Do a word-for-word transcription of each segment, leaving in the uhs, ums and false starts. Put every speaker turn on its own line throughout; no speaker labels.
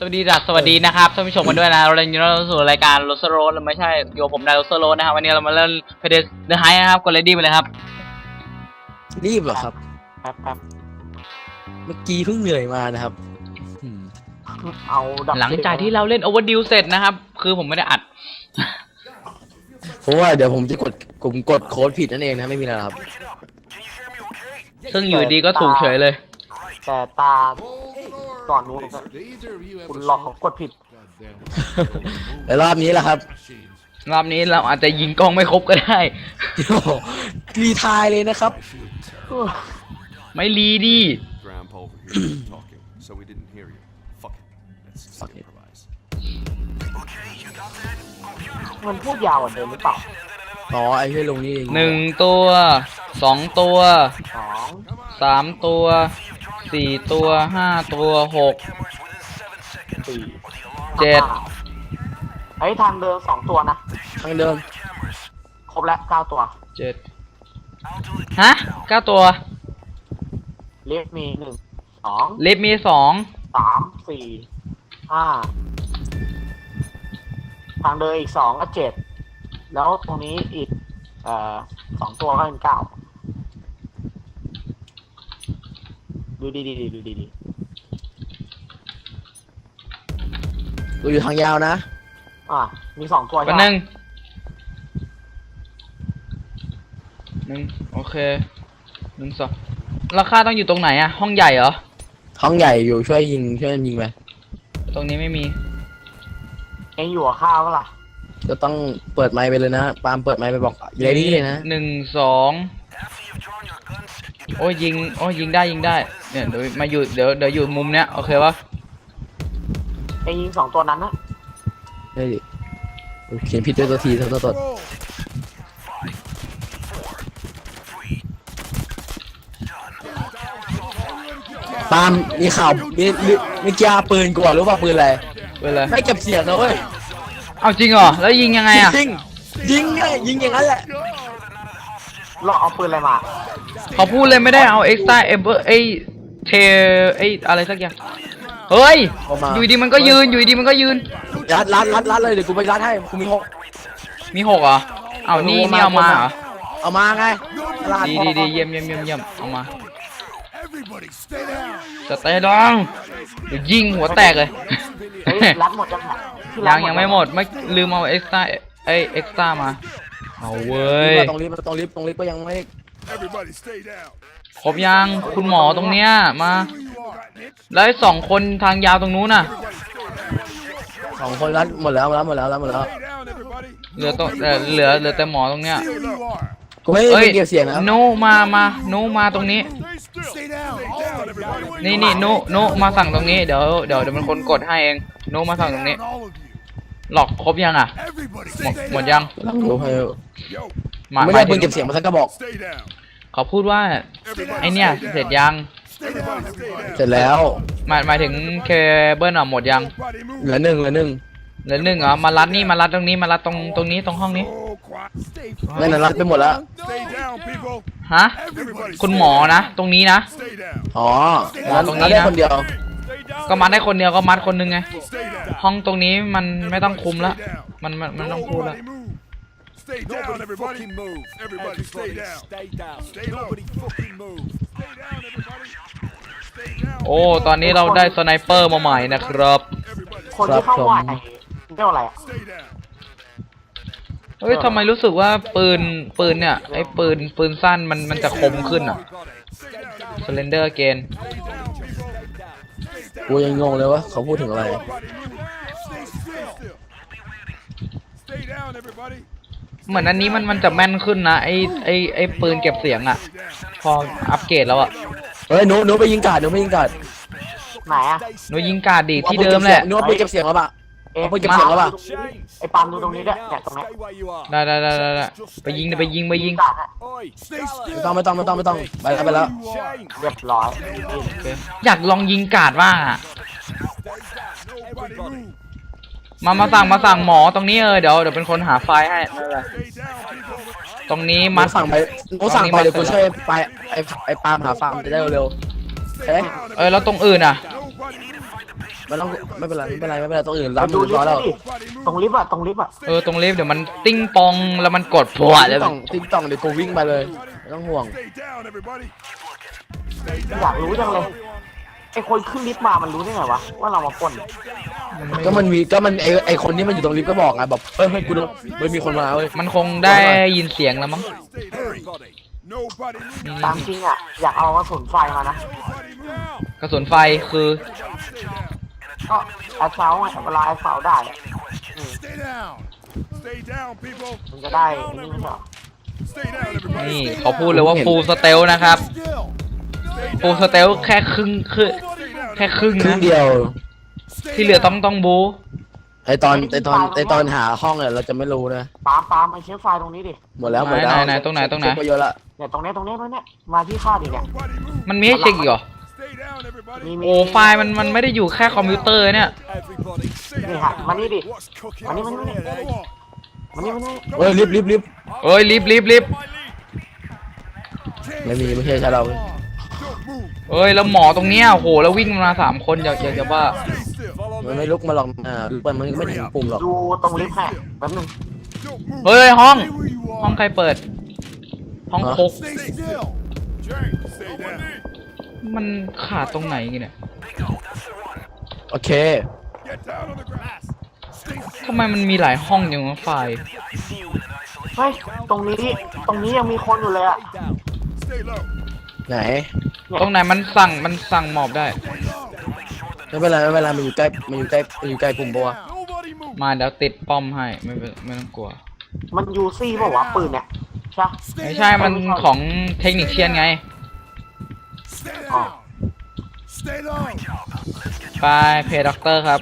สวัสดีดัสสวัสดีนะครับท่านผู้ชมกันด้วยนะเราเล่นอยู่ในสู่รายการโรสโรสไม่ใช่โยผมได้โรสโรสนะครับวันนี้เรามาเล่นเพเดสเดอะไฮนะครับกดเลดี้ไปเลยครับ
รีบเหรอครับ
แป๊บแป๊บ
เมื่อกี้เพิ่งเหนื่อยมานะครับ
เอาดับ
หลังจากที่เราเล่นโอเวอร์ดิวเสร็จนะครับคือผมไม่ได้อัด
เพราะว่าเดี๋ยวผมจะกดผมกดโค้ดผิดนั่นเองนะไม่มีอะไรครับ
ซึ่งอยู่ดีก็ถูกเฉยเลย
แต่ตาก่อนนู้นคุณหลอกเขากดผิด
แต่รอบนี้แหละครับ
รอบนี้เราอาจจะยิงกล้องไม่ครบก็ได้
รีทายเลยนะครับ
ไม่รีดิ
มันพูดยาวกว่าเดิมหรือเปล่า
อ๋อไอ้ที่ลงนี่
หนึ่งตัวสองตัว
สอง
สามตัวสี่ตัวห้าตัวหก
สี่
เจ็ด
ไอ้ทางเดินสองตัวนะ
ทางเดิน
ครบแล้วเก้าตัว
เจ็ดฮะเก้าตัว
ลิฟมีหนึ่งสอง
ลิฟมีสอง
สามสี่ห้าทางเดินอีกสองก็เจ็ดแล้วตรงนี้อีกเอ่อสองตัวก็เป็นเก้าดูดีดีดูดีดี
ดูอยู่ทางยาวนะ
อ่ะมีสองตัว
กันหนึ่งหนึ่งโอเคหนึ่งสองราคาต้องอยู่ตรงไหนอะห้องใหญ่เหรอ
ห้องใหญ่อยู่ช่วยยิงช่วยยิงไป
ตรงนี้ไม่มี
เอ็งอยู่กับข้าวก็ล่ะ
จะต้องเปิดไมค์ไปเลยนะปาล์มเปิดไมค์ไปบอกเลดี้เลยนะ
หนึ่งสองโอ้ยยิงโอ้ยยิงได้ยิงได้เนี่ยเดี๋ยวมาอยู่เดี๋ยวเดี๋ยวอยู่มุมเนี้ยโอเคปะ
ไอ้ยิงสองตัวนั้นนะ
เฮ้ยเขียนผิดด้วยตัวทีตัวตัวตัวปาล์มมีข่าวมีมีกีฬาปืนก่อนหรือว่าปืนอะไร
ปืนอะไร
ไม่เก็บเสียงนะเว้ย
เอาจริงเหรอแล้วยิงยังไงอะ
ยิงยิงไงยิงอย่างนั้นแหละ
เราเอาปืนอะไรมา
เขาพูดเลยไม่ได้เอาเอ็กซ์ต้าเอเบอร์ไอเทไออะไรสักอย่างเฮ้ยอยู่ดีมันก็ยืนอยู่ดีมันก็ยืน
รัดรัดรัดรัดเลยเดี๋ยวกูไปรัดให้กูมีหก
มีหกเหรอเอานี่นี่เอามาเหรอ
เอามาไง
ดีดีดีเยี่ยมเยี่ยมเยี่ยมเยี่ยมเอามาจะเตะดองเดี๋ยวยิงหัวแตกเลย
รัดหมดยัง
ยังยังไม่หมดไม่ลืมเอาเอ็กซ์ต้าไอเอ็กซ์ต้ามาเอาเว้ย
ตรงลิฟต์ตรงลิฟต์ตรงลิฟต์ก็ยังไม่
ครบยังคุณหมอตรงเนี้ยมาแล้วสองคนทางยาวตรงนู้นน่ะ
สองคนรัดหมดแล้วหมดแล้วหมดแล้ว
เหลือตรงเหลือเหลือแต่หมอตรงเนี้ย
กูไม่ได้เกี่ยวเสียงนะ
โนมามาโนมาตรงนี้นี่นี่โนโนมาสั่งตรงนี้เดี๋ยวเดี๋ยวเดี๋ยวมันคนกดให้เองโนมาสั่งตรงนี้หลอกครบยังอ่ะหมดหมดยัง
ไม่ได้เพิ่งเก็บเสียงมาสักกระบอก
เขาพูดว่าไอเนี้ยเสร็จยัง
เสร็จแล้ว
หมายหมายถึงเคเบิลอ่ะหมดยัง
เหลือหนึ่งเหลือหนึ่ง
เหลือหนึ่งเหรอมารัดนี่มารัดตรงนี้มารัดตรงตรงนี้ตรงห้องนี้
ไม่นานรัดไปหมดแล้ว
ฮะคุณหมอนะตรงนี้นะ
อ๋อตรงนี้ได้คนเดียว
ก็มัดได้คนเดียวก็มัดคนนึงไงห้องตรงนี้มันไม่ต้องคุมแล้วมันมันมันต้องพูดแล้วโอ้ตอนนี้เราได้สไนเปอร์มาใหม่นะครับ
คนที่เข้าไหวเรียกอะไรอ่ะ
เฮ้ยทำไมรู้สึกว่าปืนปืนเนี่ยไอ้ปืนปืนสั้นมันมันจะคมขึ้นอ่ะสเลนเดอร์เกน
กูยังงงเลยว่าเขาพูดถึงอะไร
เหมือนอันนี้มันมันจะแม่นขึ้นนะไอไอไอปืนเก็บเสียงอ่ะพออัปเกรดแล้วอ่ะ
เฮ้ยหนูหนูไปยิงกาดหนูไปยิงกาด
ไหนอ่ะ
หนูยิงกาดดีที่เดิมแหละ
หนูไปเก็บเสียงแล้วป่ะเอ๊ะไปเก็บเสียงแล้วป่ะ
ไอปามดูตรงนี้ด้วยเนี่ยตรงนี้
ได้ได้ได้ได้ไปยิงไปยิงไปยิง
ไม่ต้องไม่ต้องไม่ต้องไม่ต้องไปแล้วไปแล้ว
เรียบร้อย
อยากลองยิงกาดว่างอ่ะมามาสั่งมาสั่งหมอตรงนี้เออเดี๋ยวเดี๋ยวเป็นคนหาไฟล์ให้ตรงนี้มา
สั่งไปกูสั่งไปเดี๋ยวกูช่วยไปไอไอปาล์มหาฟาร์มจะได้เร็วเอ๊ะ
เออแล้วตรงอื่นอ่ะ
ไม่ต้องไม่เป็นไรไม่เป็นไรไม่เป็นไรต้องอื่น
ไป
รับ
ดู
มือ
ลิฟ
ร้อย
ต์
แล้ว
ดิตรงลิฟต์อะตรงลิฟต์อะ
เออตรงลิฟต์เดี๋ยวมันติ้งปองแล้วมันกดพรวด
ติ๊
เลย
งต่องติ๊งต่องเดี๋ยวกูวิ่งไปเลยไม่ต้องห่วง
อยากรู้จังเลยไอคนขึ้นลิฟต์มามันรู้ได้ไงวะว่าเรามาปล้น
ก็มันมีก็มันไอไอคนที่มันอยู่ตรงลิฟต์ก็บอกไงแบบเฮ้ยเฮ้ยกูต้องเฮ้ยมีคนมาเว้ย
มันคงได้ยินเสียงแล้วมั้ง
ตามจริงอะอยากเอากระสุนไฟมานะ
กระสุนไฟคือ
ก็แอสเซาไงเวลาแอสเซาได้อะอืมมันจะได้อันนี่ไม่ใช่เหรอ
นี่เขาพูดเลยว่าฟูลสเตลนะครับฟูลสเตลแค่ครึ่งคือแค่ครึ่ง
ครึ่ง
นะ
เดียว
ที่เหลือต้องต้องบู
ไอตอนไอตอนไอตอนหาห้องเนี่ยเราจะไม่รู้นะ
ปาล์มปาล์มไอเชื้อไฟตรงนี้ดิ
หมดแล้วหมดแล้ว
ไหนไหนตรงไหนตรงไหน
เช็คไปเยอะละ
เนี่ยตรงเนี้ยตรงเนี้ยตรงเนี้ยมาที่ค่าดิเนี่ย
มันมีให้เช็คอีกเหรอ
มีมี
โอ้ไฟล์มันมันไม่ได้อยู่แค่คอมพิวเตอร์เนี่ย
นี่ฮะมานี่ดิมานี่มานี่มานี่มานี่
เฮ้ยรีบรีบรีบ
เอ้ยรีบรีบรีบ
ไม่มีไม่ใช่ใช่เรา
เอ้ยแล้วหมอตรงเนี้ยโอ้โหแล้ววิ่งมาสามคนอยากอยากจะว่า
มันไม่ลุกมาหรอกอ่ามันมันไม่ถึงปุ่มหรอก
ดูตรงลิฟต์ให้แป๊บนึง
เฮ้ยห้อง ห้องใครเปิด ห้องคุกมันขาดตรงไหนกันเนี่ย
โอเค
ทำไมมันมีหลายห้องอย่างวะไฟล์
เฮ้ยตรงนี้ตรงนี้ยังมีคนอยู่เลยอะ
ไหน
ตรงไหนมันสั่งมันสั่งหมอบได้
ไม่เป็นไรไม่เป็นไรมันอยู่ใกล้มันอยู่ใกล้มันอยู่ใกล้ปุ่มบัว
มาเดี๋ยวติดป้อมให้ไม่เป็นไม่ต้องกลัว
มันยูซี่เปล่าวะปืนเนี่ยใช่
ไม่ใช่มันของเทคนิคเชียนไง
อ๋อ
ไปเพย์ด็อกเตอร์ครับ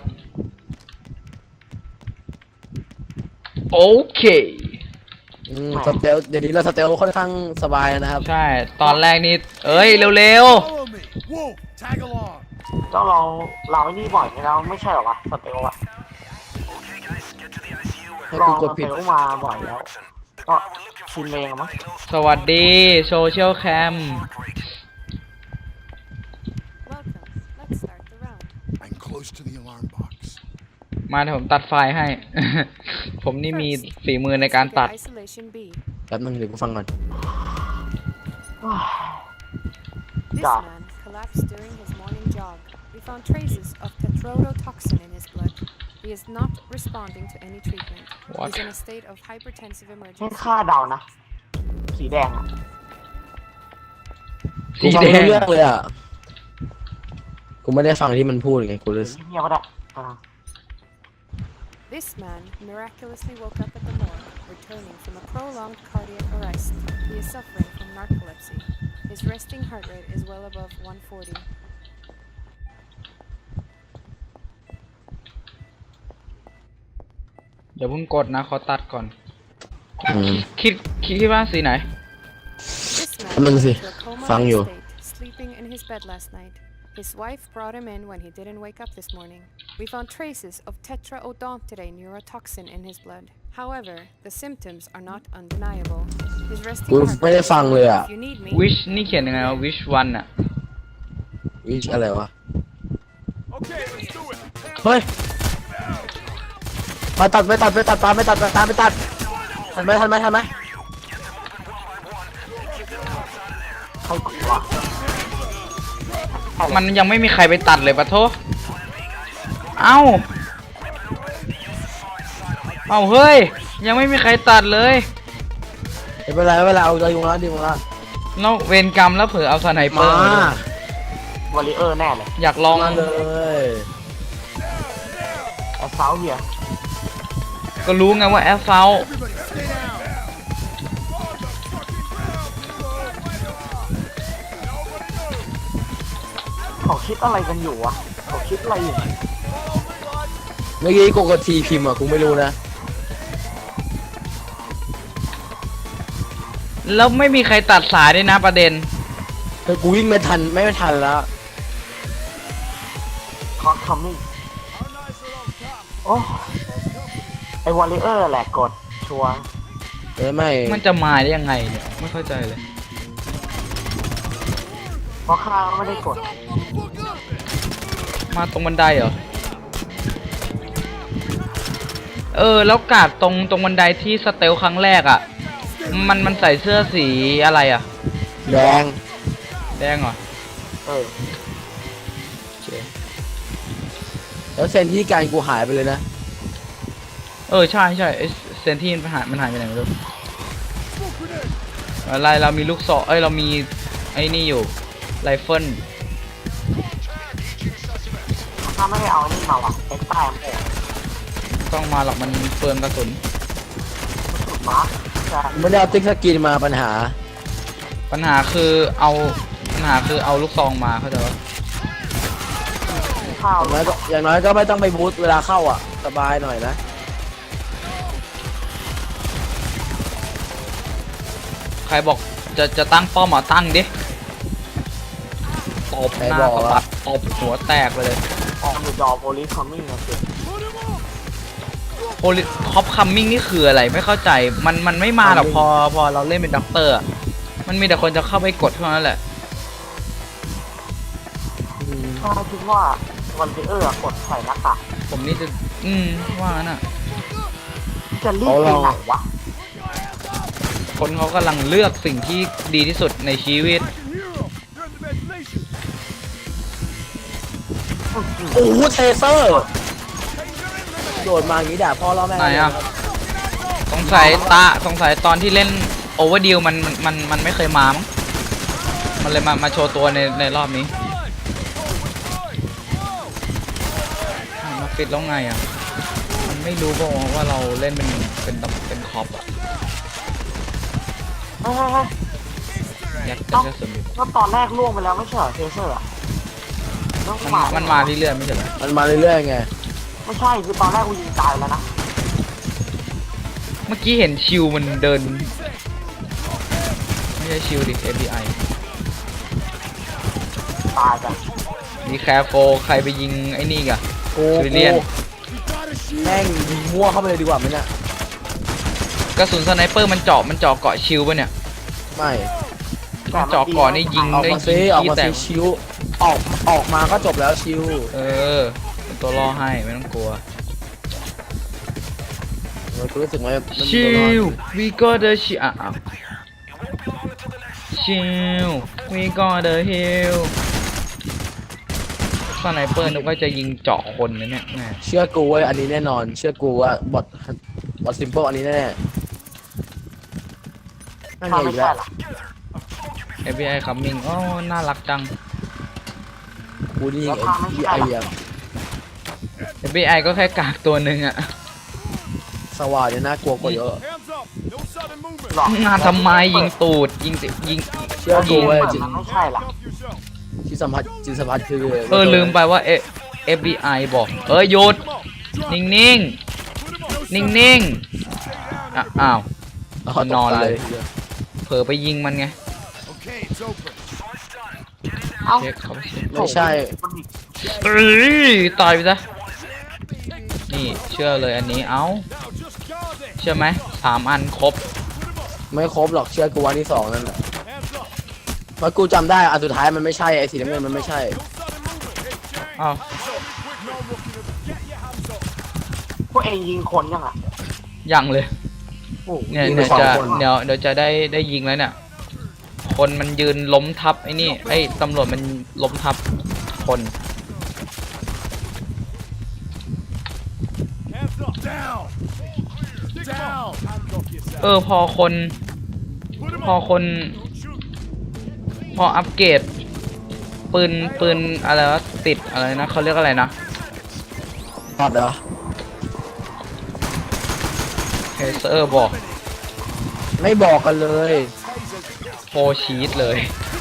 โอเค
อืมสเตลเดี๋ยวนี้เราสเตลค่อนข้างสบายนะครับ
ใช่ ตอนแรกนี่ เอ้ย เร็ว
เจ้าเราเราไอ้นี่บ่อยแล้วไม่ใช่หรอวะสเตลอะ
ให้
ลอ
กู
ง
ก
ส
ด
เต
ผิด
ลมาบ่อยแล้ว ก็ชินเองมั้ง
ๆ สวัสดีโซเชียลแคม
Welcome. Let's start the round.
I'm close to the alarm box.
มาเดี๋ยวผมตัดไฟล์ให้ ผมนี่มีฝีมือในการ
Trigger
ตัด
Isolation B.
แป๊บนึงเดี๋ยวกูฟังก่อน
This
Yeah.
man collapsed during his morning jog. We found traces of tetrodotoxin in his blood. He is not responding to any treatment.
What?
He's in a state of hypertensive
ให้
emergency.
ค่าเดานะ สีแดงอะ
กู
สี
ฟัง
แด
ไม่
ง
รู้เรื่องเลยอ่ะ กูไม่ได้ฟังที่มันพูดไง กูเลย
เงียบก็ได้อ่า
This man miraculously woke up at the morgue, returning from a prolonged cardiac arrest. He is suffering from narcolepsy. His resting heart rate is well above one forty.
เดี๋ยวเพิ่งกดนะ ขอตัดก่อน
อืม
คิดคิดคิดว่าสีไหน
This man
มึง
was
สิ
into a coma
ฟังอยู่
state, sleeping in his bed last night. His wife brought him in when he didn't wake up this morning. We found traces of tetraodontide neurotoxin in his blood. However, the symptoms are not undeniable. His resting
กู
heart
ไม่ได้
rate
ฟังเลยอ่ะ
if you need me.
wish นี่เขียนยังไงวะ wish one อะ
วิชอะไรวะ เฮ้ยมาตัดไม่ตัดไม่ตัดตามไม่ตัดตามไม่ตัดทันไหมทันไหมทันไหม
ใครกดวะ
มันยังไม่มีใครไปตัดเลยปะโทเอ้า เอ้าเฮ้ย ยังไม่มีใครตัดเลย
ไม่เป็นไรไม่เป็นไรเอาใจยุงแล้วดีมั้งละ
แล้วเวรกรรมแล้วเผื่อเอาสไนเปอ
มา
ร์มาด้วย
วอลเลเยอร์แน่เลย
อยากลอง
มาเลย
แอสเซาเฮีย
ก็รู้ไงว่าแอสเซา
เขาคิดอะไรกันอยู่วะเขาคิดอะไรอยู่
เมื่อกี้กูกดทีพิมพ์อ่ะกูไม่รู้นะ
แล้วไม่มีใครตัดสายด้วยนะประเด็น
เฮ้ยกูวิ่งไม่ทันไม่ทันแล้ว
คอสคัมมิ่งโอ้ไอวอลเลเยอร์แหละกดชัวร์
เอ้ยไม่
มันจะมาได้ยังไงเนี่ย ไม่เข้าใจเลย
เพราะข้าไม่ได้กด
มาตรงบันไดเหรอเออแล้วกาดตรงตรงบันไดที่สเตลครั้งแรกอ่ะมันมันใส่เสื้อสีอะไรอ่ะ
แดง
แดงเหรอ
เออ
แล้วเซนที่การกูหายไปเลยนะ
เออใช่ใช่ไอเซนที่มันหายมันหายไปไหนไม่รู้อะไรเรามีลูกศรเอ้ยเรามีไอ้นี่อยู่ไรเฟิล
ถ้าไม่ได้เอานี่มาว่ะเอ็กซ์ไตล์มัน
ต้องมาหรอกมันเปลืองกระสุน
สุดมาร์คจะ
ไม่ได้เอาติ๊กสกินมาปัญหา
ปัญหาคือเอาปัญหาคือเอาลูกซองมาเข้าใจปะ
ข้าว
อย่างน้อยก็อย่างน้อยก็ไม่ต้องไปบูทเวลาเข้าอ่ะสบายหน่อยนะ
ใครบอกจะจะตั้งป้อมอ่ะตั้งดิตบหน้าสะบัดตบหัวแตกไปเลย
ออกอยู่ดอโพลิสคอมมิ่งนะสิ
โพลิคอปคัมมิ่งนี่คืออะไรไม่เข้าใจมันมันไม่มาหรอกพอพอเราเล่นเป็นด็อกเตอร์อะมันมีแต่คนจะเข้าไปกดเท่านั้นแหละ
ถ้าคิดว่าวันเออร์กดใส่หน้ากาก
ผมนี่จะอืมว่างั้นอ่ะ
จะรีบไปไหนวะ
คนเขากำลังเลือกสิ่งที่ดีที่สุดในชีวิต
โอ้โหเทเซอร์โดดมาอย่างนี้ด่าพ่อล่อแม่
ไหนอ่ะสงสัยตาสงสัยตอนที่เล่นโอเวอร์ดิวมันมันมันมันไม่เคยมามั้งมันเลยมามาโชว์ตัวในในรอบนี้อ้าวมาปิดแล้วไงอ่ะมันไม่รู้ป่าวว่าเราเล่นเป็นเป็นเป็นคอปอ่ะ
เฮ้ยเฮ้ยเฮ้ย
ยัดกันกระสุนอยู่
ก็ตอนแรกล่วงไปแล้วไม่ใช่เหรอเทเซอร์อะต้อง
มัน
มา
มันมาเรื่อยๆไม่ใช่เหรอ
มันมาเรื่อยๆไง
ไม่ใช่คือตอนแรกกูยิงตายแล้วนะ
เมื่อกี้เห็นชิวมันเดินไม่ใช่ชิวดิ เอฟ บี ไอ
ตายจ้ะ
มีแคร์โฟใครไปยิงไอ้นี่กะ
กู
ซิวิเลียน
กูแม่งยิงมั่วเข้าไปเลยดีกว่าไหมเนี่ย
กระสุนสไนเปอร์มันเจาะมันเจาะเกาะชิวป่ะเนี่ย
ไม่
มันเจาะก่อนนี่ยิง
ออก
ได้
มา
ยิ
ซิ
ง
ออก
ขี้
มา
แต
ซิ
ก
ชิวออกออกมาก็จบแล้วชิว
เออเป็นตัวล่อให้ไม่ต้องกลัว
เออกูรู้สึกว่ามันมี
ชิ
ตัวรอด
ว we got the ชิอ่ะอ่ะชิว we got the hill สไนเปอร์นึกว่าจะยิงเจาะคนนะเนี่ยแม่
เชื่อกูเว้ยอันนี้แน่นอน เชื่อกูว่าบอทบอทซิมเปิลอันนี้แน่ๆนั่นไง
ถ้า
อี
ไม่
กแล้
ใช่
ว
ล่ะ
เอฟ บี ไอ coming อ๋อน่ารักจัง
กูนี่ไอ้ที่ไอเดีย
เอฟ บี ไอ ก็แค่กากตัวหนึ่งอะ
สว่านเนี่ยน่ากลัวกว่าเยอะ
หลอก
งานทำไมยิงตูดยิงติยิง
เชื่อกูเว้ยจิต
มันไม่ใช่ล่ะ
ที่สัมผัสจิตสัมผัสคือ
เออลืมไปว่าเอ เอฟ บี ไอ บอกเออหยุดนิ่งนิ่งนิ่งนิ่งๆอ่ะอ้าว นอนเลย เผลอไปยิงมันไง
Okay, it's open.
เอ้า
เช็คเขาไปเช็ค
ไม่ใช่
มันมี
เอ้ยตายไปซะนี่เชื่อเลยอันนี้เอ้า
Now just guard it.
เชื่อไหมสามอันครบ
ไม่ครบหรอกเชื่อกูวันที่สองนั่นแหละ
Hands up.
เพราะกูจำได้อันสุดท้ายมันไม่ใช่ไอ้สีน้ำเงินมันไม่ใช่
อ้าว
No looking at Get your hands up.
พวกเองยิงคนยังอ่ะ
ยังเลย
โอ้
เนี่ย
ยิงไป
เดี๋ยว
สอง
จะ
คน
เดี๋ยวเดี๋ยวจะได้ได้ยิงแล้วเนี่ยคนมันยืนล้มทับไอ้นี่ไอ้ตำรวจมันล้มทับคน
Hands up. Down. Down. Hands off yourself.
เออพอคน
Put him
พอ
up.
คน พออัปเกรดปืนปืนอะไรวะติดอะไรนะเขาเรียกอะไรนะ
รอดเหรอ
เทเซอร์บอก
ไม่บอกกันเลย
โฟชีตเลย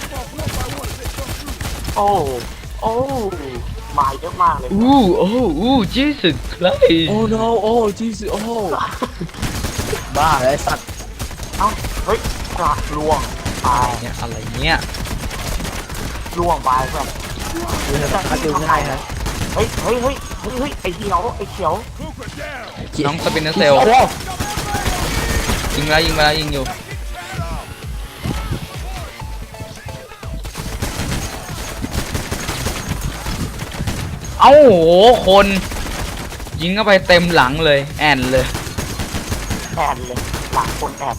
โอ้โอ้มาเยอะมากเลย
อู้โอ้อู้จีสุดใคร
โอ้ no โอ้จีสโอ้บ้าเลยสัตว์
เอ้าเฮ้ยกระล่วงตาย
เนี่ยอะไรเนี่ย
ล่วงไปเพื่อน
ดูนะถ้าดูง่ายนะ
เฮ้ยเฮ้ยเฮ้ยเฮ้ยเฮ้ยไอ้เขียวไอ้เขียว
Cooper down.
น้องสปินเนอร์เซล
โอ้โห
ยิงไปแล้วยิงไปแล้วยิงอยู่เอ้าโหคนยิงเข้าไปเต็มหลังเลยแอนเลย
แอนเลยหลังคนแอน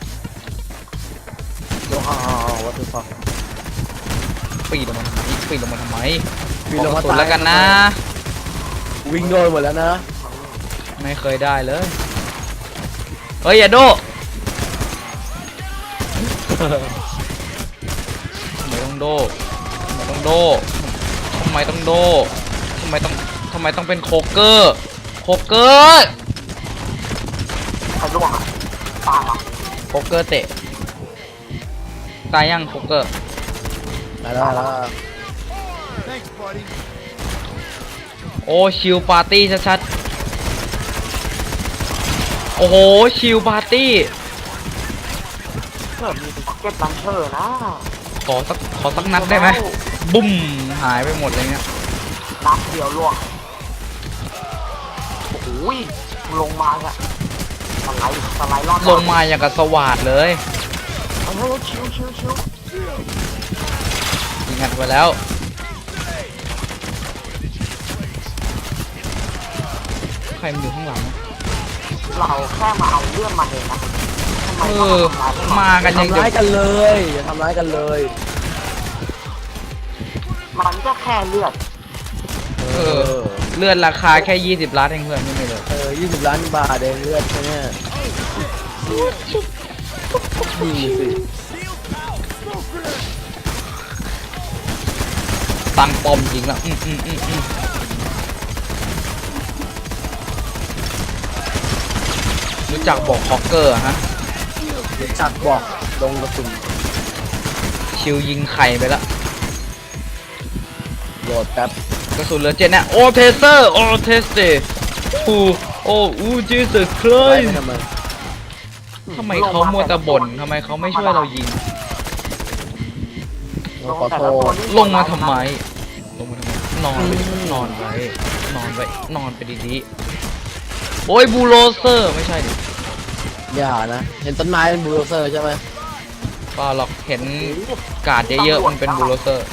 โอ้โหวัตถุฟัง
ปีนลงมาทำไมปีนลงมาทำไม
ปีนลงมา
ขอกระสุนแล้วกันนะ
วิ่งโดนหมดแล้วนะ
ไม่เคยได้เลยเฮ้ยอย่าโดทำไมต้องโดทำไมต้องโดทำไมต้องโดทำไมต้องทำไมต้องเป็นโคเกอร์โคเกอร์
ใครล่วงอ่ะตายอ่ะ
โคเกอร์เตะตายยังโคเกอร์
ได้แล้วได้แล้ว
Thanks, buddy.
โอ้ชิลปาร์ตี้ชัดๆโอ้โหชิลปาร์ตี้
เกิดมีพ็อกเก็ตลันเชอร์นะ
ขอสักขอสักนัดได้ไหมบุ้มหายไปหมดเลยเนี่ย
นัดเดียวล่วงโอ้โหลงมาอ่ะสไลด์สไลด์รอด
ลงมาอย่างกับสวัสดเลย
เฮ้ยชิวชิวชิว
ยิงอัดไปแล้วใครมันอยู่ข้างหลังวะ
เราแค่มาเอาเรื่องมันเองนะทำไม
เอ
ต้อง
อ
ทำร้ายพวกมัน
มากันยัง
ทำ
จะ
ร้ายกันเลยอย่าทำร้ายกันเลย
มันก็แค่เลือด
เออเลือดราคาแค่ยี่สิบล้านเองเพื่อนไม่มีเลย
เออยี่สิบล้านบาทเองเลือดใช่ไหมนี่สิ
ตั้งปอมจริงแล้วอืมอืมอืมอืมรู้จักบอกฮอกเกอร์ฮะ
รู้จักบอกลงกระสุน
ชิวยิงไข่ไปละ
โหลดแป๊บ
กระสุนเหลือเจ็ดนะโอเทเซอร์โอเทสเตฟูโอ้อูจีสุดเค
ไล่
ย
ไปทำไม
ทำไมเขามัวแต่บ่นทำไมเขาไม่ช่วยเรายิง
ขอโทษ
ลงมาทำไมลงมาทำไมนอนไปดินอนไปนอนไปนอนไปดีๆโอ้ยบูโรเซอร์ไม่ใช่ดิ
อย่านะเห็นต้นไม้เป็นบูลโดเซอร์ใช่ไหม
เปล่าหรอกเห็นกาดเยอะๆมันเป็นบูโรเซอร์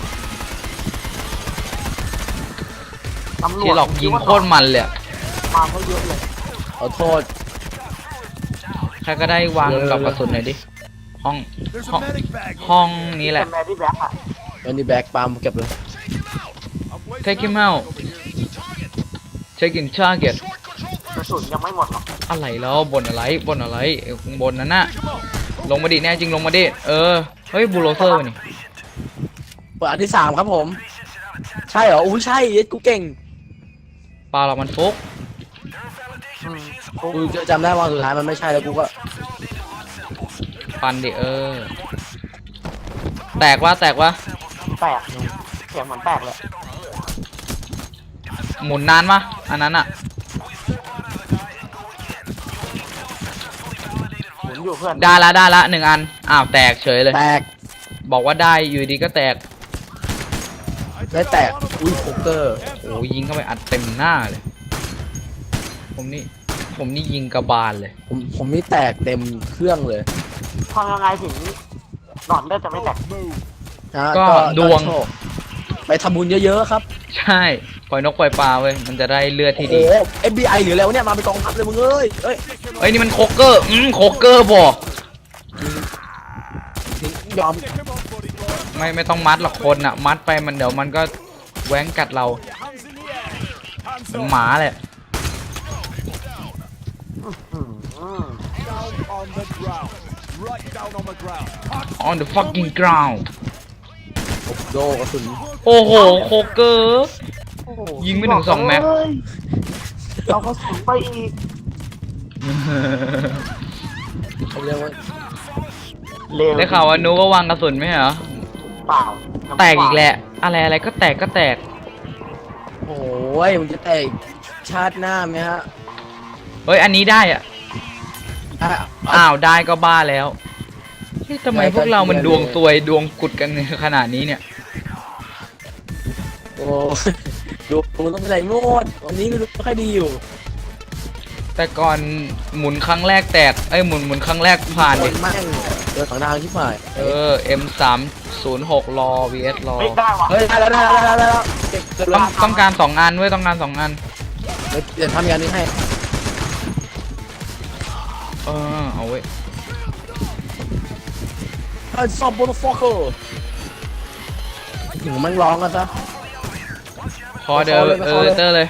ตำรวจ
ที่หลอกยิงโคตรมันเลยอะ
มาเขาเยอะเลย
ขอโทษ
ใครก็ได้วางกับกระสุนหน่อยดิห้อง
There's
ห้อง
a medic bag.
ห้องนี้แห
เป็
ละ
นแมรี่แบ็คอะ
วันนี้แบกปาล์มเก็บเลย
I'm placing
Take him
a mag
out.
over here.
check in target
กระสุนยังไม่หมดหรอก
อะไรแล้วบนอะไรบนอะไรเอ้ยข้างบนนั้นน่ะ
Pick 'em up.
ลงมาดิแน่จริงลงมาดิเออเฮ้ยบูโรเซอร์วะนี่
เปิดอันที่สามครับผม ใช่เหรออู้ใช่เย็ดกูเก่ง
ปลาเรามันฟุก
อืม
กูจำได้ว่าสุดท้ายมันไม่ใช่แล้วกูก็
ปันดิเออ แตกวะแตกวะ
แตกเสียงเหมือนแตกเลย
หมุนนานมะอันนั้นอะ
หมุนอยู่เพื่อน
ได้ละได้ละหนึ่งอันอ้าวแตกเฉยเลย
แตก
บอกว่าได้อยู่ดีก็แตก
ได้แตก อุ้ยโคเกอร์
โอ้ยิงเข้าไปอัดเต็มหน้าเลย ผมนี่ผมนี่ยิงกระบาลเลย
ผมผมนี่แตกเต็มเครื่องเลย
ทำยังไงถึงหลอดเลือดจะไม่แตก
Move.
นะ
ก็ดวง
โชคไปทำบุญเยอะๆครับ
ใช่ปล่อยนกปล่อยปลาเว้ยมันจะได้เลือด
โอ้
ที่
โห
ดี
เอฟบีไอหรืออะไรวะเนี่ย มาเป็นกองทัพเลยมึงเอ้ยเอ้ย
เฮ้ยนี่มันโคเกอร์อืมโคเกอร์บอก
ยอม
Pick 'em up, buddy boy.
ไม่ไม่ต้องมัดหรอกคนอะมัดไปมันเดี๋ยวมันก็แหว้งกัดเรา
Hands in the air. Hands
เป็น
up.
หมาเลย
อืม
Down on the ground. Right down on the ground.
on the fucking ground
โดกระสุน
โอ้โหโคเกอร์
โอ้โห
ยิงไม่ถึงสองแม็ก
เอ้ยเอากระสุนไปอีก
เขาเรียกว่า
เร็ว
ได้ข่าวว่านูก็วางกระสุนไหมเหรอ
เปล่า
แตกอีกแหละ อะไรอะไรก็แตกก็แตก
โอ้ยมันจะแตกชาติหน้าไหมฮะ
เฮ้ย อันนี้ได้อะ
อ่ะ
อ้าวได้ก็บ้าแล้วเฮ้ยทำไม
ได้ก็
พวกเรามัน
เกลียด
ดวง
เลย
ซวยดวงกุดกันขนาดนี้เนี่ย
โอ้ดูมันต้องเป็นไรโมดวันนี้ไม่รู้ค่อยดีอยู่
แต่ก่อนหมุนครั้งแรกแตกเอ้ยหมุนหมุนครั้งแรกผ่าน
โด
ดิ
นแม่งเจอสองทางที่ฝ่าย
เออ เอ็ม สามศูนย์หก รอ วี เอส รอ
ไม่ได้ว่ะ
เฮ้ยได้แล้วได้แล้วได้แล้วได้แล้วเก็บเก็บ
ต้
แล้
อง
ว
ต้องการสองอันเว้ยต้องการสองอัน
เดี๋ยวเดี๋ยวทำอย่างนี้ให้
เออเอาเว้ย
ไอ้ซอมบูนฟอกเกอร์ถึงมันร้องกันซะ
พอเดี๋ยว
ไป
เอ
เข้า
อ
เลย
เตอร์เลย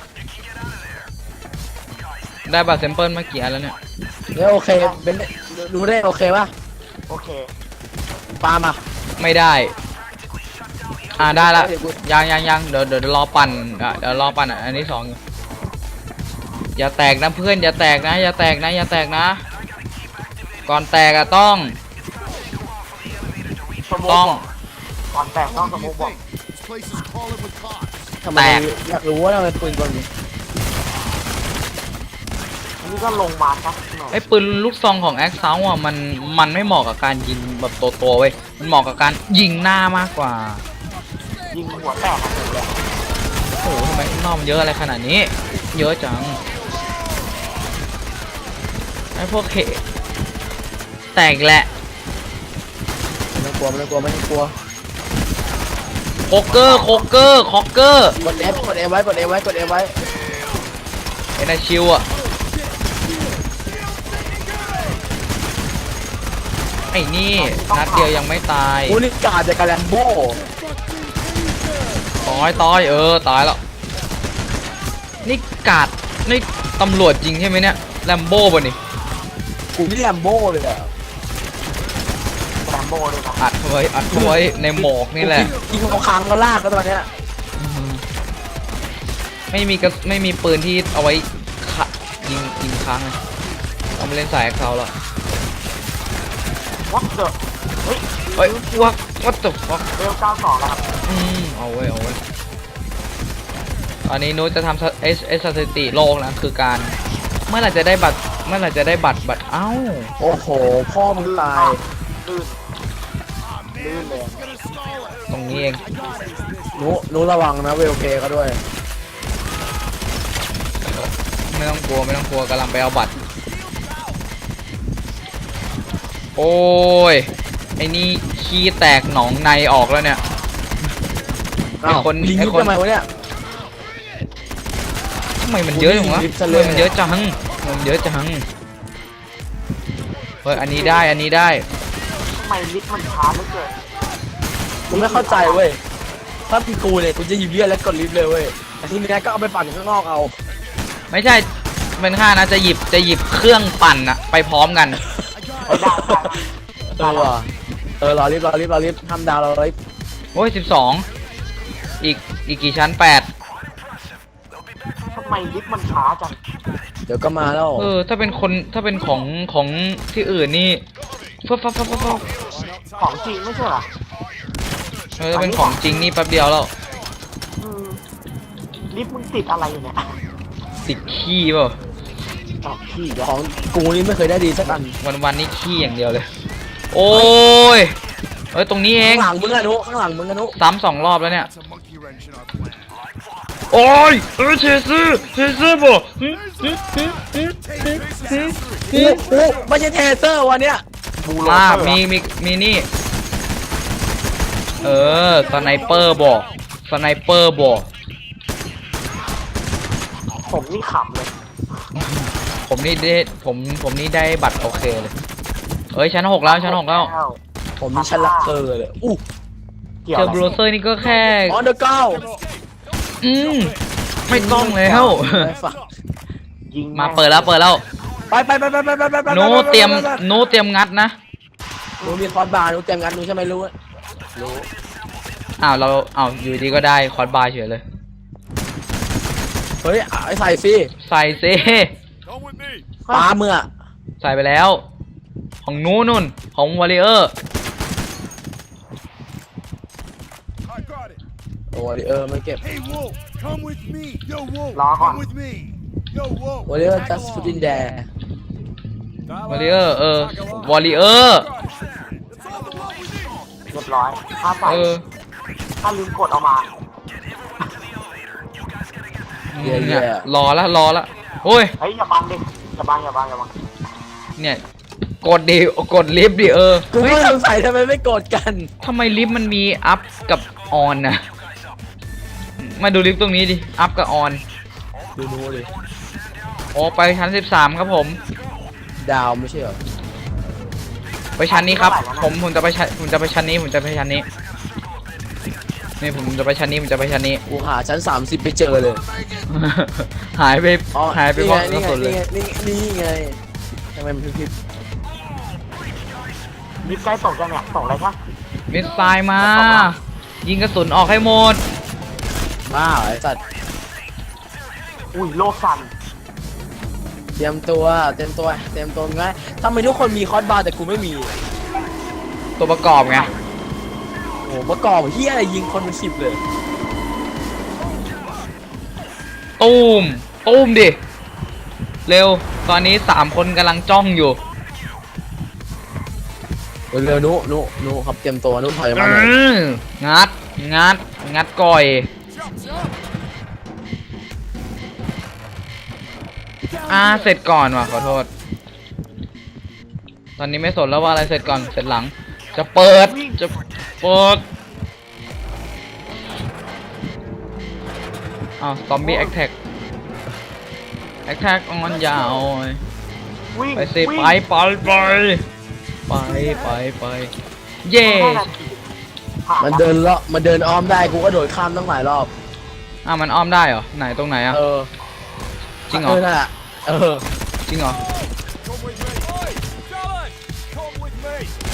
ได้บัตรแซมเปิลมากี่อันแล้วเนี่ย
เดี๋ยวโอเคเป็นรู้ได้โอเคป่ะ
โอเค
ปามา
ไม่ได้ อ่าได้ละยังยังยังเดี๋ยวเดี๋ยวรอปั่นอ่ะเดี๋ยวรอปั่นอ่ะอันนี้สองอยู่อย่าแตกนะเพื่อนอย่าแตกนะอย่าแตกนะอย่าแตกนะ ก่อนแตกอะต้อง
สมุก
ต้อง
ก่อนแตกต้องสมุกบอก
This place is crawling with cops.
ทำไมอยากรู้ว่าทำไมปืนกลนี้
อันนี้ก็ลงมาครับหน่อย
ไอ้ปืนลูกซองของแอคเซาอ่ะมันมันไม่เหมาะกับการยิงแบบตัวๆเว้ยมันเหมาะกับการยิงหน้ามากกว่า
ยิงหัวแตกอะไรเลย
โอ้โหทำไมข้างนอกมันเยอะอะไรขนาดนี้ เยอะจังไอ้พวกเขแตกแหละ
ไม่ต้องกลัวไม่ต้องกลัวไม่ต้องกลัว
โคเกอร์โคเกอร์คอกเกอร์
กด F กด F ไว้กด F ไว้กด F ไว้
ไอ้นาชิวอ่ะไอ้นี่นัดเดียวยังไม่ตาย
กูนี่กาดจากกาแลมโบ้
ตายตายเออตายแล้วนี่กาดนี่ตำรวจจริงใช่ไหมเนี่ยแลมโบ้ป่ะนี่
กูนี่แลมโบ้เลยอะ
แรมโบ้ด้วยนะ
อัดไว้อัดไว้ในหมอกนี่แหละ
ยิงเขาค้างก็ลากก็ตอนเนี้ย
ไม่มีกระไม่มีปืนที่เอาไว้ขะยิงยิงค้างเลยเอามาเล่นสายเขาแล้ว
วัดเดอะเฮ้ย
เฮ้ยวักวัดตกวัก
เร็วเก้าสองแล้วครับ
อืมเอาไว้เอาไว้ตอนนี้นุ้ยจะทำเอสเอสสถิติโลกนะคือการเมื่อไหร่จะได้บัตรเมื่อไหร่จะได้บัตรบัตรเอ้า
โอ้โหพ่อมึงตาย
ลื่นลื่นเลย
ตรงนี้เอง
หนูหนูระวังนะเวลเคก็ด้วย
ไม่ต้องกลัวไม่ต้องกลัวกำลังไปเอาบัตรโอ้ยไอ้นี่ขี้แตกหนองในออกแล้วเนี่ย ไอ้คน
ลิง
ไอ้
ยุบ
คน
ทำไมวะเนี่ย
ทำไมมันเยอะจังวะ
ลิฟต์ซะ
ทำ
เล
ไม
ย
มันเยอะจังทำไมมันเยอะจังเฮ้ยอันนี้ได้อันนี้ได้
ทำไมลิฟต์มันช้าเหลือเกิน
กูไม่เข้าใจเว้ยถ้าเป็นกูเนี่ยกูจะหยิบเลือดแล้วกดลิฟต์เลยเว้ยแต่ทีนี้ก็เอาไปปั่นข้างนอกเอา
ไม่ใช่เป็นข้านะจะหยิบจะหยิบเครื่องปั่นอะไปพร้อมกัน
ไม่ได้ได้
เออว่ะเออรอลิฟต์รอลิฟต์รอลิฟต์ทำดาวรอลิฟต์
โอ้ยสิบสองอีกอีกกี่ชั้นแปด
ทำไมลิฟต์มันช้าจัง
เดี๋ยวก็มาแล้ว
เออถ้าเป็นคนถ้าเป็นของของที่อื่นนี่ฟับฟับฟับฟับฟับ
ของจริงไม่ใช่เหรอ
เออถ้าเป็นของจริงนี่แป๊บเดียวแล้ว
อืมลิฟต์มึงติดอะไรอยู่เนี่ย
ติดขี้เปล่า
ออกขี้เดี๋ยว
ของกูนี่ไม่เคยได้ดีสักอัน
วันวันๆนี่ขี้อย่างเดียวเลย โอ้ยเอ้ยตรงนี้เอง
ข้างหลังมึงอะนุข้างหลังมึงอะนุ
ซ้ำสองรอบแล้วเนี่ย
That's a monkey wrench in our plan.
โอ้ยเออเชซื้อเชซื้อบ่หึหึหึหึหึหึ
กูกูไม่ใช่เทเซอร์วันเนี้ย
บูโร
มา
เตอร์
มีมีมีนี่ เออสไนเปอร์บ่สไนเปอร์บ่
ผมนี่ขำเลย
ผมนี่ได้ผมผมนี่ได้บัตรโอเคเลยเอ้ยชั้นหกแล้วชั้นหกแล้ว
ผมมีชั้นลักเกอร์เลยอู้
เกี่ยว
เจอ
อะไร
บรูเซอร์นี่ก็แค่
ออนเดอร์เก้า
อืมไม่ต้องแล้ว
ยิง
มาเปิดแล้วเปิดแล้ว
ไปไปไปไปไปไปไป
หนูเตรียมหนูเตรียมงัดนะ
หนูมีคอร์สบาร์หนูเตรียมงานหนูใช่ไหมรู้รู้
อ้าวเราอ้าวอยู่ดีก็ได้คอร์สบาร์เฉยเลย
เฮ้ยไอ้ใส่สิ
ใส่เซ
Come with me.
ปลาเมื่อ
ใส่ไปแล้ว ของหนูนุ่นของวอลเลเยอร์
I got it.
โอ้ยเออไม่เก็บ
Hey, Wolf, come with me. Yo, Wolf,
Log on.
come with me. Yo, Wolf.
โอ้ยเออ just put in there
วอลเลเยอร์เออวอลเลเยอร์
That's all the love we need.
เรียบร้อยถ้าใส่
เออ
ถ้าลืมกดเอามา
เย่ๆ
เนี่ยรอละรอละโอ้ย
เฮ้ยอย่าบังดิอย่าบังอย่าบังอย่าบัง
เนี่ยกดดิกดลิฟต์ดิเออ
กูไม่สงสัยทำไมไม่กดกัน
ทำไมลิฟต์มันมีอัพกับออนนะมาดูลิฟต์ตรงนี้ดิอัพกับออน
ดูนู้นเลย
โอ้ไปชั้นสิบสามครับผม
ดาวไม่ใช่เหรอ
ไปชั้นนี้ครับผมผมจะไปชั้นผมจะไปชั้นนี้ผมจะไปชั้นนี้นี่ผมจะไปชั้นนี้ผมจะไปชั้นนี้
กูหาชั้นสามสิบไปเจอเลย
หายไป
อ๋อ
หายไปเพราะก
นี่
ระ
ไง
สุนเลย
นี่ไงนี่ไงทำไมมันพลิบ
มิดใกล้ตกยังเนี่ยตกเลยปะ
มิสไซล์มา ยิงกระสุนออกให้หมด
ๆบ้าเหรอไอ้สัตว์
อุ้ยโลกสั่น
เตรียมตัวเตรียมตัวเตรียมตัวง่ายทำไมทุกคนมีคอร์สบาร์แต่กูไม่มี
ตัวประกอบไง
โอ้โหประกอบเฮียอะไรยิงคนเป็นสิบเลย
ตูมตูมดิ เร็ว ตอนนี้สามคนกำลังจ้องอยู่
เร็วๆนุนุนุครับเตรียมตัวนุถอยมาหน่อย
อื้องัด งัด งัดก่อย อ่า เสร็จก่อนว่ะ ขอโทษ ตอนนี้ไม่สนแล้วว่าอะไรเสร็จก่อน เสร็จหลัง จะเปิด จะเปิด อ้าว ซอมบี้แอคแท็ก แอคแท็กออนยาว
วิ่ง
ไปสิ
วิ่ง
ไปไปไปไปไปไปเย่
ห้านาทีผ่า
มันเดินเลาะมันเดินอ้อมได้กูก็โดดข้ามตั้งหลายรอบ
อ่ะมันอ้อมได้เหรอ ไหนตรงไหนอ่ะ
เออ
จริงเหรอ
เออนั่นแหละเออ
จริงเหรอ
Come with me. Hey, Charlie, come with me.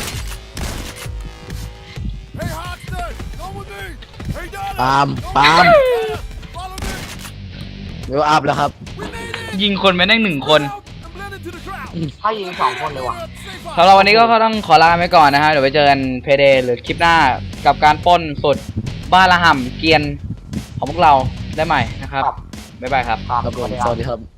Hey, Hoxton, come with me. Hey, Darling,
ปาล์ม
come
ปาล์ม
with me. Follow me.
เดี๋ยวอัพแล้วครับ
We made it.
ยิงคนไปได้หนึ่งคน
Out and blend into the crowd.
ถ้ายิงสองคนเลยว่ะ
Safe
สำหรับวันนี้ก็ต้องขอลาไปก่อนนะฮะ เดี๋ยวไปเจอกันเพเดหรือคลิปหน้ากับการปล้นสุดบ้านละห่ำเกรียนของพวกเราได้ใหม่นะครับ
ครับ
บ๊ายบายครับ
ครับ
ครับผม
สวัสดี
สวัสดีครับ